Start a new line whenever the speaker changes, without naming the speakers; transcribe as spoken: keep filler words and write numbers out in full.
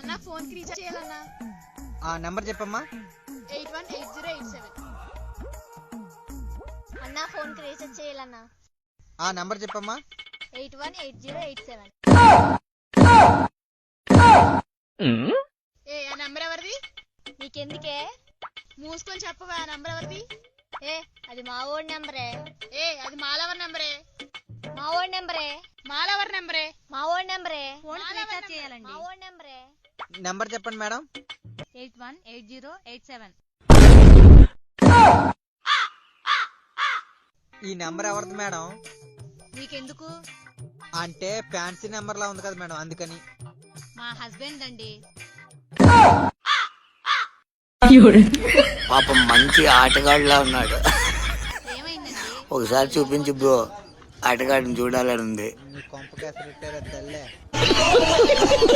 అన్న ఫోన్ కి రీఛార్జ్ చేయాలన్నా.
ఆ నెంబర్ చెప్పమ్మా.
Eight one eight zero eight seven.
అన్న ఫోన్ కి రీఛార్జ్ చేయాలన్నా.
ఆ నెంబర్ చెప్పమ్మా.
Eight one eight zero eight seven.
ఏ ఆ నంబర్ ఎవరిది?
నీకెందుకే?
మూసుకొని చెప్పవా ఆ నంబర్ ఎవరిది?
ఏ అది మా ఓడి నెంబరే.
ఏ అది మాలవర్ నంబరే.
మా ఓడి నెంబరే.
మాలవర్ నంబరే.
మా ఓడి నెంబరే.
ఫోన్ రీఛార్జ్ చేయాలండి.
మా ఓడి నెంబరే.
నెంబర్ చెప్పండి madam.
Eight one eight zero eight seven.
ఈ నెంబర్ ఎవరిది మేడం?
నీకెందుకు?
అంటే ఫ్యాన్సీ నెంబర్ లా ఉంది కదా మేడం, అందుకని.
మా హస్బెండ్ అండి.
పాపం మంచి ఆటగాడిలా ఉన్నాడు.
ఏమైందండి?
ఒకసారి చూపించు బ్రో, ఆటగాడిని చూడాలని ఉంది.
నీ కొంప కేసరి తల్లే.